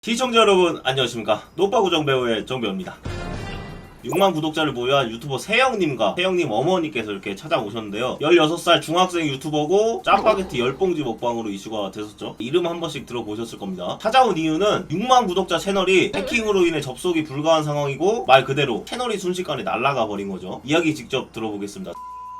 시청자 여러분 안녕하십니까. 노빠구정 배우의 정배우입니다. 6만 구독자를 보유한 유튜버 세영님과 세영님 어머니께서 이렇게 찾아오셨는데요. 16살 중학생 유튜버고 짜파게티 10봉지 먹방으로 이슈가 됐었죠. 이름 한 번씩 들어보셨을 겁니다. 찾아온 이유는 6만 구독자 채널이 해킹으로 인해 접속이 불가한 상황이고 말 그대로 채널이 순식간에 날아가 버린 거죠. 이야기 직접 들어보겠습니다.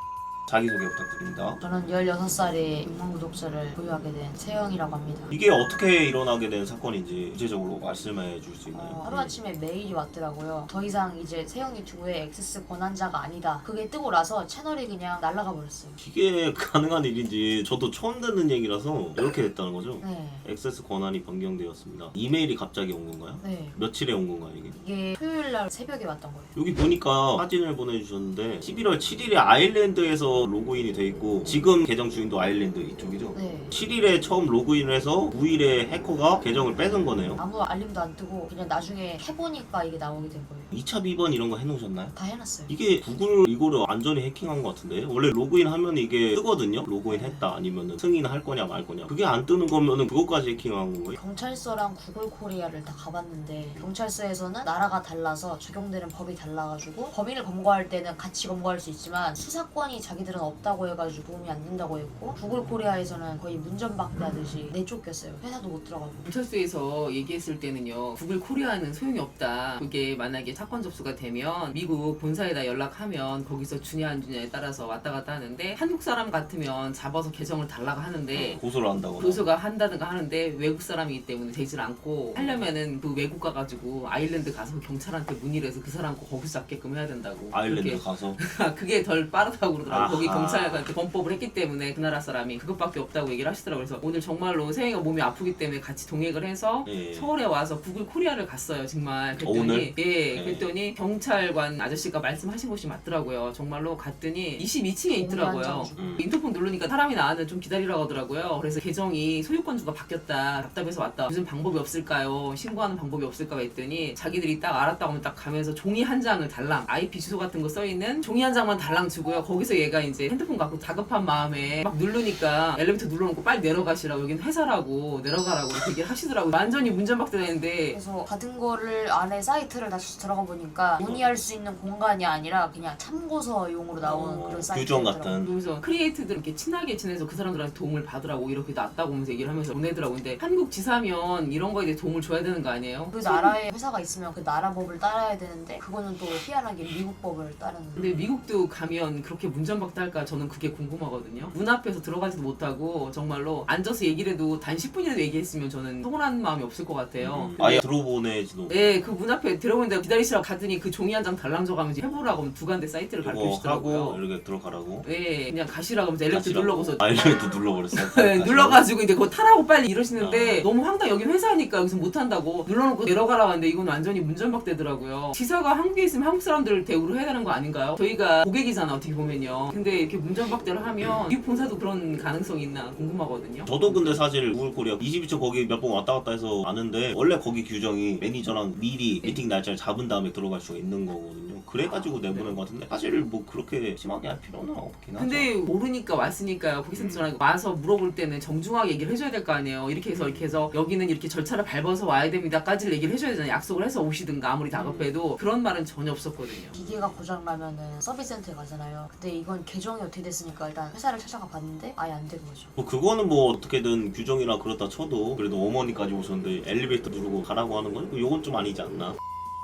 자기소개 부탁드립니다. 저는 16살에 6만 구독자를 보유하게 된 세영이라고 합니다. 이게 어떻게 일어나게 된 사건인지 구체적으로 말씀해 줄 수 있나요? 하루아침에 메일이 왔더라고요. 더 이상 이제 세영 유튜브의 액세스 권한자가 아니다. 그게 뜨고 나서 채널이 그냥 날아가 버렸어요. 이게 가능한 일인지 저도 처음 듣는 얘기라서 이렇게 됐다는 거죠? 네. 액세스 권한이 변경되었습니다. 이메일이 갑자기 온 건가요? 네. 며칠에 온 건가요 이게? 이게 토요일날 새벽에 왔던 거예요. 여기 보니까 사진을 보내주셨는데 11월 7일에 아일랜드에서 로그인이 돼 있고 지금 계정 주인도 아일랜드 이쪽이죠? 네. 7일에 처음 로그인을 해서 9일에 해커가 계정을 뺏은 거네요. 아무 알림도 안 뜨고 그냥 나중에 해보니까 이게 나오게 된 거예요. 2차 비번 이런 거 해놓으셨나요? 다 해놨어요. 이게 구글 이거를 완전히 해킹한 것 같은데 원래 로그인 하면 이게 뜨거든요? 로그인 했다 아니면은 승인할 거냐 말 거냐 그게 안 뜨는 거면은 그것까지 해킹한 거예요? 경찰서랑 구글 코리아를 다 가봤는데 경찰서에서는 나라가 달라서 적용되는 법이 달라가지고 범인을 검거할 때는 같이 검거할 수 있지만 수사권이 자기들은 없다고 해가지고 도움이 안 된다고 했고 구글 코리아에서는 거의 문전박대 하듯이 내쫓겼어요. 회사도 못 들어가고. 경찰서에서 얘기했을 때는요, 구글 코리아는 소용이 없다. 그게 만약에 사건 접수가 되면 미국 본사에다 연락하면 거기서 주냐 안 주냐에 따라서 왔다 갔다 하는데 한국 사람 같으면 잡아서 계정을 달라고 하는데 고소를 한다거나 고소가 한다든가 하는데 외국 사람이기 때문에 되질 않고 하려면은 그 외국 가가지고 아일랜드 가서 경찰한테 문의를 해서 그 사람 거 거기서 잡게끔 해야 된다고. 아일랜드 그게, 가서 그게 덜 빠르다고 그러더라고. 거기 아하. 경찰한테 범법을 했기 때문에 그 나라 사람이 그것밖에 없다고 얘기를 하시더라고요. 그래서 오늘 정말로 세영이가 몸이 아프기 때문에 같이 동행을 해서 예. 서울에 와서 구글 코리아를 갔어요. 정말 그랬더니 오늘? 예, 네. 그랬더니 경찰관 아저씨가 말씀하신 곳이 맞더라고요. 정말로 갔더니 22층에 있더라고요. 인터폰 누르니까 사람이 나와는 좀 기다리라고 하더라고요. 그래서 계정이 소유권주가 바뀌었다. 답답해서 왔다. 무슨 방법이 없을까요? 신고하는 방법이 없을까 했더니 자기들이 딱 알았다고 하면 딱 가면서 종이 한 장을 달랑 IP 주소 같은 거 써있는 종이 한 장만 달랑 주고요. 거기서 얘가 이제 핸드폰 갖고 다급한 마음에 막 누르니까 엘리베이터 눌러놓고 빨리 내려가시라고 여긴 회사라고 내려가라고 이렇게 얘기를 하시더라고요. 완전히 문전박대되는데 그래서 받은 거를 안에 사이트를 다시 들어가 보니까 문의할 수 있는 공간이 아니라 그냥 참고서용으로 나오는 그런 규정 사이트더라고요. 같은 그래서 크리에이트들 이렇게 친하게 지내서 그 사람들한테 도움을 받으라고 이렇게 낫다고 하면서 얘기를 하면서 보내더라고. 근데 한국 지사면 이런 거에 대해 도움을 줘야 되는 거 아니에요? 그 나라에 회사가 있으면 그 나라 법을 따라야 되는데 그거는 또 희한하게 미국 법을 따르는. 근데 미국도 가면 그렇게 문전박대할까 저는 그게 궁금하거든요. 문 앞에서 들어가지도 못하고 정말로 앉아서 얘기를 해도 단 10분이라도 얘기했으면 저는 서운한 마음이 없을 것 같아요. 아예 들어보내지도 네, 그 문 앞에 들어오는데 기다리시라고 가더니 그 종이 한 장 달랑 줘가면서 해보라고 하면 두 간데 사이트를 이거 가르쳐주시더라고요. 하고 이렇게 들어가라고 네, 그냥 가시라고 하면서 엘리베이터 가시라고. 눌러고서 아일랜드 눌러버렸어요. 네, 눌러가지고 이제 그거 타라고 빨리 이러시는데 아. 너무 황당. 여긴 회사니까 여기서 못한다고 눌러놓고 내려가라고 하는데 이건 완전히 문전박대더라고요. 지사가 한국에 있으면 한국 사람들 대우를 해야 되는 거 아닌가요? 저희가 고객이잖아 어떻게 보면요. 근데 이렇게 문전박대를 하면 미국 본사도 그런 가능성이 있나 궁금하거든요. 저도 근데 사실 구글 코리아 22초 거기 몇 번 왔다 갔다 해서 아는데 원래 거기 규정이 매니저랑 미리 미팅 날짜를 잡은 다음에 들어갈 수가 있는 거거든요. 그래가지고 내보낸 것 같은데 사실 뭐 그렇게 심하게 할 필요는 없긴 하죠. 근데 모르니까 왔으니까 고객센터랑 와서 물어볼 때는 정중하게 얘기를 해줘야 될 거 아니에요. 이렇게 해서 여기는 이렇게 절차를 밟아서 와야 됩니다까지를 얘기를 해줘야 되잖아요. 약속을 해서 오시든가 아무리 다급해도 그런 말은 전혀 없었거든요. 기계가 고장나면은 서비스센터에 가잖아요. 근데 이건 계정이 어떻게 됐으니까 일단 회사를 찾아가 봤는데 아예 안 된 거죠. 뭐 그거는 뭐 어떻게든 규정이라 그렇다 쳐도 그래도 어머니까지 오셨는데 엘리베이터 누르고 가라고 하는 건 요건 좀 아니지 않나?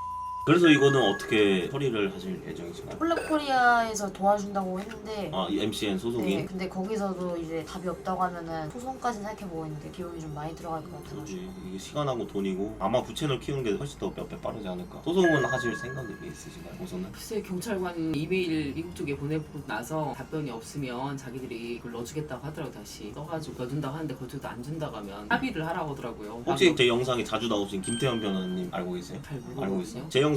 그래서 이거는 어떻게 처리를 하실 예정이신가요? 콜라코리아에서 도와준다고 했는데 아, 이 MCN 소속인? 네, 근데 거기서도 이제 답이 없다고 하면은 소송까지 생각해보고 있는데 비용이 좀 많이 들어갈 것 같아가지고. 그렇지. 이게 시간하고 돈이고 아마 부채널 키우는 게 훨씬 더 몇 배 빠르지 않을까. 소송은 하실 생각이 있으신가요? 우선은? 글쎄 경찰관 이메일 미국 쪽에 보내고 나서 답변이 없으면 자기들이 그걸 넣어주겠다고 하더라고. 다시 써가지고 넣어준다고 하는데 그것도 안 준다고 하면 합의를 하라고 하더라고요. 혹시 제 영상에 자주 나오신 김태현 변호사님 알고 계세요? 잘 알고 모르거든요. 있어요? 제 영상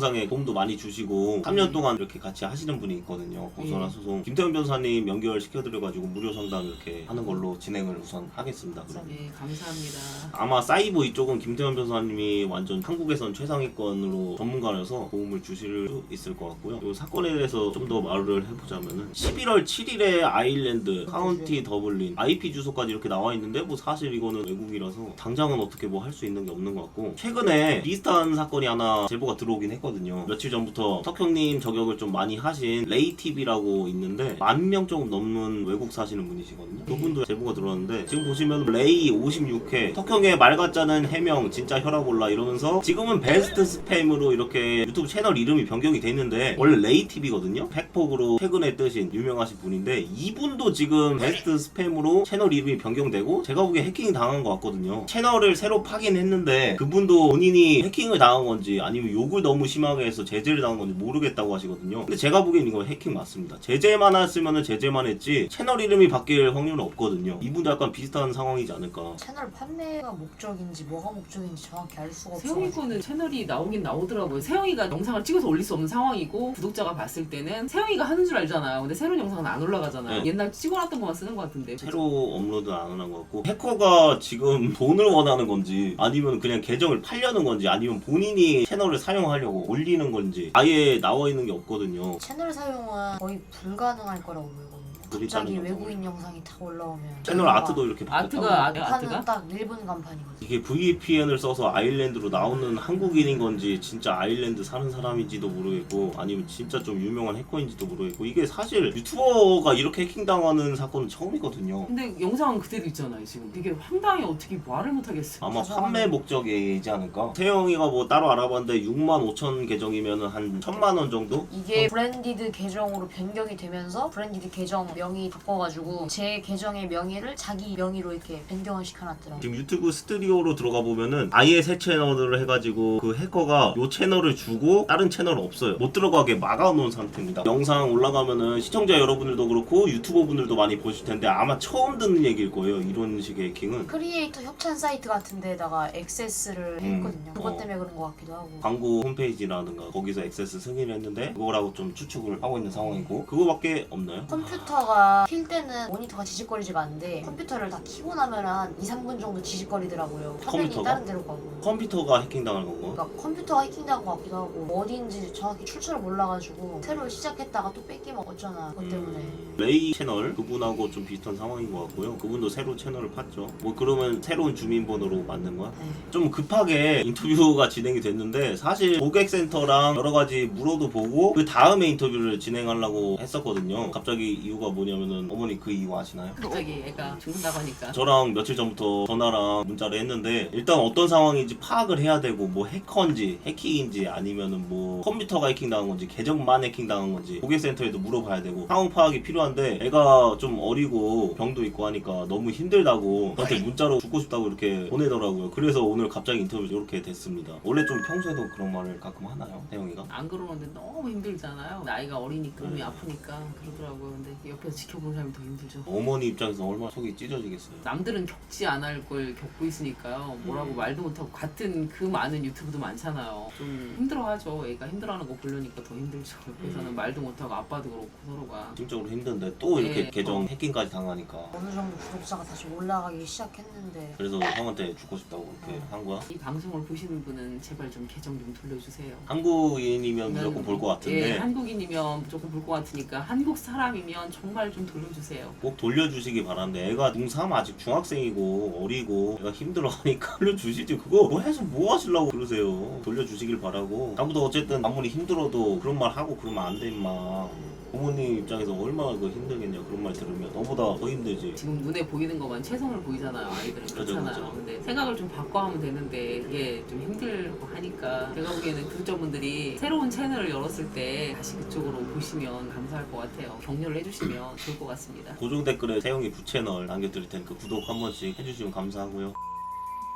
영상에 도움도 많이 주시고 3년 동안 이렇게 같이 하시는 분이 있거든요. 고소나 소송 김태현 변호사님 연결시켜드려가지고 무료 상담 이렇게 하는 걸로 진행을 우선 하겠습니다. 그럼. 네, 감사합니다. 아마 사이버 이쪽은 김태현 변호사님이 완전 한국에선 최상위권으로 전문가라서 도움을 주실 수 있을 것 같고요. 이 사건에 대해서 좀 더 말을 해보자면은 11월 7일에 아일랜드, 카운티 더블린, IP 주소까지 이렇게 나와 있는데 뭐 사실 이거는 외국이라서 당장은 어떻게 뭐 할 수 있는 게 없는 것 같고 최근에 비슷한 사건이 하나 제보가 들어오긴 했거든요. 며칠 전부터 석형님 저격을 좀 많이 하신 레이TV라고 있는데 10,000명 조금 넘는 외국 사시는 분이시거든요. 그분도 제보가 들어왔는데 지금 보시면 레이 56회 석형의 말 같자는 해명 진짜 혈압 올라 이러면서 지금은 베스트 스팸으로 이렇게 유튜브 채널 이름이 변경이 됐는데 원래 레이TV거든요. 팩폭으로 최근에 뜨신 유명하신 분인데 이분도 지금 베스트 스팸으로 채널 이름이 변경되고 제가 보기에 해킹 당한 것 같거든요. 채널을 새로 파긴 했는데 그분도 본인이 해킹을 당한 건지 아니면 욕을 너무 심하게 해서 제재를 당한 건지 모르겠다고 하시거든요. 근데 제가 보기엔 이거 해킹 맞습니다. 제재만 했으면 제재만 했지 채널 이름이 바뀔 확률은 없거든요. 이분도 약간 비슷한 상황이지 않을까. 채널 판매가 목적인지 뭐가 목적인지 정확히 알 수가 없어. 세영이 거는 채널이 나오긴 나오더라고요. 세영이가 영상을 찍어서 올릴 수 없는 상황이고 구독자가 봤을 때는 세영이가 하는 줄 알잖아요. 근데 새로운 영상은 안 올라가잖아요. 네. 옛날 찍어놨던 것만 쓰는 것 같은데. 새로 업로드 안 하는 것 같고 해커가 지금 돈을 원하는 건지 아니면 그냥 계정을 팔려는 건지 아니면 본인이 채널을 사용하려고 올리는 건지 아예 나와 있는 게 없거든요. 채널 사용은 거의 불가능할 거라고 보거든요. 갑자기 외국인 영상이 다 올라오면 채널 아트도 이렇게 바뀌었다고. 아트가 간판은 딱 일본 간판이거든요. 이게 VPN을 써서 아일랜드로 나오는 한국인인 건지 진짜 아일랜드 사는 사람인지도 모르겠고 아니면 진짜 좀 유명한 해커인지도 모르겠고 이게 사실 유튜버가 이렇게 해킹당하는 사건은 처음이거든요. 근데 영상은 그대로 있잖아요. 지금 되게 황당해. 어떻게 말을 못하겠어. 아마 판매 목적이지 않을까? 세영이가 뭐 따로 알아봤는데 65,000 계정이면 한 1,000만 원 정도? 이게 브랜디드 계정으로 변경이 되면서 브랜디드 계정 명의 바꿔가지고 제 계정의 명의를 자기 명의로 이렇게 변경을 시켜놨더라고요. 지금 유튜브 스튜디오로 들어가 보면은 아예 새 채널을 해가지고 그 해커가 요 채널을 주고 다른 채널은 없어요. 못 들어가게 막아놓은 상태입니다. 영상 올라가면은 시청자 여러분들도 그렇고 유튜버 분들도 많이 보실 텐데 아마 처음 듣는 얘기일 거예요. 이런 식의 해킹은. 크리에이터 협찬 사이트 같은 데다가 액세스를 했거든요. 그것 때문에 그런 것 같기도 하고. 광고 홈페이지라든가 거기서 액세스 승인을 했는데 그거라고 좀 추측을 하고 있는 상황이고 그거밖에 없나요? 컴퓨터가 킬 때는 모니터가 지직거리지가 않는데 컴퓨터를 다 켜고 나면 한 2, 3분 정도 지직거리더라고요. 화면이 컴퓨터가? 다른 데로 가고. 컴퓨터가 해킹당한 건가? 그러니까 컴퓨터가 해킹당한 것 같기도 하고 어디인지 정확히 출처를 몰라가지고 새로 시작했다가 또 뺏기면 어쩌나 그것 때문에. 레이 채널 그분하고 좀 비슷한 상황인 것 같고요. 그분도 새로 채널을 팠죠. 뭐 그러면 새로운 주민번호로 만든 거야? 네. 좀 급하게 인터뷰가 진행이 됐는데 사실 고객센터랑 여러 가지 물어도 보고 그 다음에 인터뷰를 진행하려고 했었거든요. 갑자기 이유가 뭐냐면은 어머니 그 이유 아시나요? 갑자기 애가 죽는다고 하니까. 저랑 며칠 전부터 전화랑 문자를 했는데 일단 어떤 상황인지 파악을 해야 되고 뭐 해커인지 해킹인지 아니면은 뭐 컴퓨터가 해킹당한 건지 계정만 해킹당한 건지 고객센터에도 물어봐야 되고 상황 파악이 필요한데 애가 좀 어리고 병도 있고 하니까 너무 힘들다고 저한테 문자로 죽고 싶다고 이렇게 보내더라고요. 그래서 오늘 갑자기 인터뷰 이렇게 됐습니다. 원래 좀 평소에도 그런 말을 가끔 하나요? 태영이가? 안 그러는데 너무 힘들잖아요. 나이가 어리니까 몸이 아프니까 그러더라고요. 근데 옆에서 지켜보는 사람이 더 힘들죠. 어머니 입장에서 얼마나 속이 찢어지겠어요. 남들은 겪지 않을 걸 겪고 있으니까요. 뭐라고 말도 못하고 같은 그 많은 유튜브도 많잖아요. 좀 힘들어하죠. 애가 힘들어하는 거 보려니까 더 힘들죠. 옆에서는 말도 못하고 아빠도 그렇고 서로가. 심적으로 힘든데 또 이렇게 네. 계정 해킹까지 당하니까 어느 정도 구독자가 다시 올라가기 시작했는데 그래서 형한테 죽고 싶다고 그렇게 한 거야? 이 방송을 보시는 분은 제발 좀 계정 좀 돌려주세요. 한국인이면 무조건 볼 것 같은데 예, 한국인이면 무조건 볼 것 같으니까 한국 사람이면 정말 좀 돌려주세요. 꼭 돌려주시기 바라는데 애가 중3 아직 중학생이고 어리고 애가 힘들어하니까 돌려주시지 그거 뭐 해서 뭐 하시려고 그러세요. 돌려주시길 바라고 나보다 어쨌든 아무리 힘들어도 그런 말 하고 그러면 안 돼 임마. 부모님 입장에서 얼마나 그 힘들겠냐 그런 말 들으면 너보다 더 힘들지. 지금 눈에 보이는 것만 최선을 보이잖아요. 아이들은 그렇잖아요. 그죠. 근데 생각을 좀 바꿔 하면 되는데 그게 좀 힘들고 하니까 제가 보기에는 구독자분들이 새로운 채널을 열었을 때 다시 그쪽으로 보시면 감사할 것 같아요. 격려를 해주시면 좋을 것 같습니다. 고정 댓글에 세영이 부채널 남겨드릴 테니까 구독 한 번씩 해주시면 감사하고요.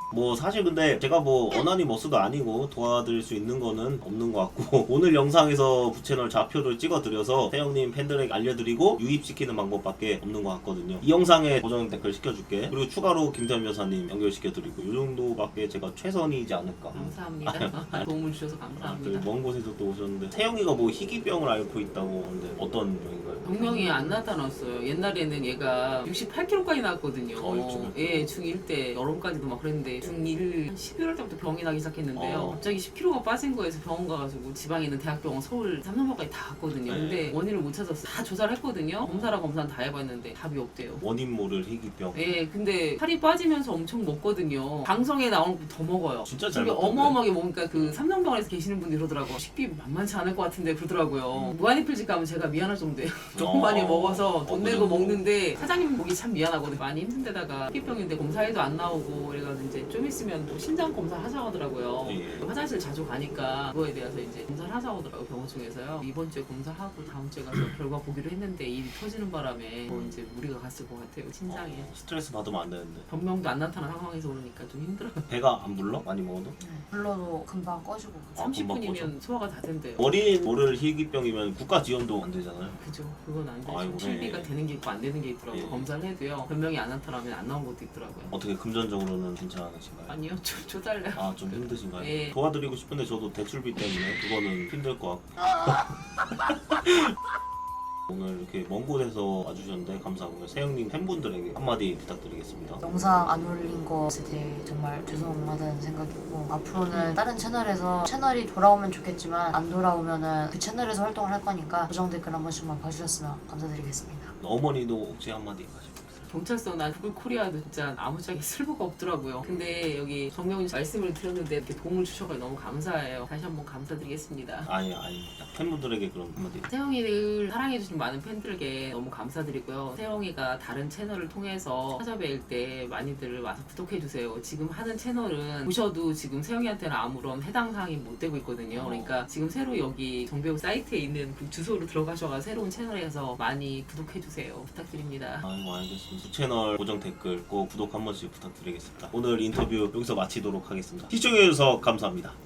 뭐 사실 근데 제가 뭐 어난이 머스도 아니고 도와드릴 수 있는 거는 없는 것 같고 오늘 영상에서 부채널 좌표를 찍어드려서 태영님 팬들에게 알려드리고 유입시키는 방법밖에 없는 것 같거든요. 이 영상에 고정 댓글 시켜줄게. 그리고 추가로 김태현 여사님 연결시켜드리고 이 정도밖에 제가 최선이지 않을까. 감사합니다. 도움을 주셔서 감사합니다. 먼 곳에서 또 오셨는데 태영이가 뭐 희귀병을 앓고 있다고 하는데 어떤 병인가요? 병명이 안 나타났어요. 옛날에는 얘가 68kg까지 나왔거든요. 예, 중1 때 여름까지도 막 그랬는데 중1 11월 때부터 병이 나기 시작했는데요. 갑자기 10kg가 빠진 거에서 병원 가가지고 지방에 있는 대학병원 서울 삼성병원까지 다 갔거든요. 근데 원인을 못 찾았어요. 다 조사를 했거든요. 검사랑 검사는 다 해봤는데 답이 없대요. 원인 모를 희귀병. 예, 근데 살이 빠지면서 엄청 먹거든요. 방송에 나오는 거 더 먹어요. 진짜 잘 되게 먹던데. 어마어마하게 먹으니까 그 삼성병원에서 계시는 분들이 그러더라고요. 식비 만만치 않을 것 같은데 그러더라고요. 무한리필집 가면 제가 미안할 정도예요. 너무 많이 먹어서 돈 내고 먹는데 사장님 보기 참 미안하거든요. 많이 힘든데다가 희귀병인데 검사해도 안 나오고 그래가지고 이제 좀 있으면 또 심장 검사 하자고 하더라고요. 예. 화장실 자주 가니까 그거에 대해서 이제 검사를 하자고 하더라고요. 병원 중에서요. 이번 주에 검사하고 다음 주에 가서 결과 보기로 했는데 일이 터지는 바람에 뭐 이제 무리가 갔을 것 같아요. 심장에. 스트레스 받으면 안 되는데. 병명도 안 나타난 상황에서 오르니까 좀 힘들어요. 배가 안 불러? 많이 먹어도? 불러도 금방 꺼지고. 아, 금방 30분이면 소화가 다 된대요. 원인 모를 희귀병이면 국가 지원도 안 되잖아요. 그죠. 그건 안 되죠. 아이고, 실비가 네. 되는 게 있고 안 되는 게 있더라고요. 예. 검사를 해도요. 변명이 안 나타나면 안 나온 것도 있더라고요. 어떻게 금전적으로는 괜찮으신가요? 아니요. 줘달래요. 아 좀 힘드신가요? 예. 도와드리고 싶은데 저도 대출비 때문에 그거는 힘들 것 같고 오늘 이렇게 먼 곳에서 와주셨는데 감사하고요. 세영님 팬분들에게 한마디 부탁드리겠습니다. 영상 안 올린 것에 대해 정말 죄송하다는 생각이고 앞으로는 다른 채널이 돌아오면 좋겠지만 안 돌아오면은 그 채널에서 활동을 할 거니까 고정 댓글 한 번씩만 봐주셨으면 감사드리겠습니다. 어머니도 혹시 한마디 하시고 경찰서나 구글 코리아도 진짜 아무짝에 쓸모가 없더라고요. 근데 여기 정명훈 말씀을 드렸는데 이렇게 도움을 주셔서 너무 감사해요. 다시 한번 감사드리겠습니다. 아닙니다. 팬분들에게 그럼 한마디. 세영이를 사랑해주신 많은 팬들에게 너무 감사드리고요. 세영이가 다른 채널을 통해서 찾아뵐 때 많이들 와서 구독해주세요. 지금 하는 채널은 보셔도 지금 세영이한테는 아무런 해당 사항이 못 되고 있거든요. 그러니까 지금 새로 여기 정배우 사이트에 있는 그 주소로 들어가셔서 새로운 채널에서 많이 구독해주세요. 부탁드립니다. 아이고 알겠습니다. 채널 고정 댓글 꼭 구독 한 번씩 부탁드리겠습니다. 오늘 인터뷰 여기서 마치도록 하겠습니다. 시청해주셔서 감사합니다.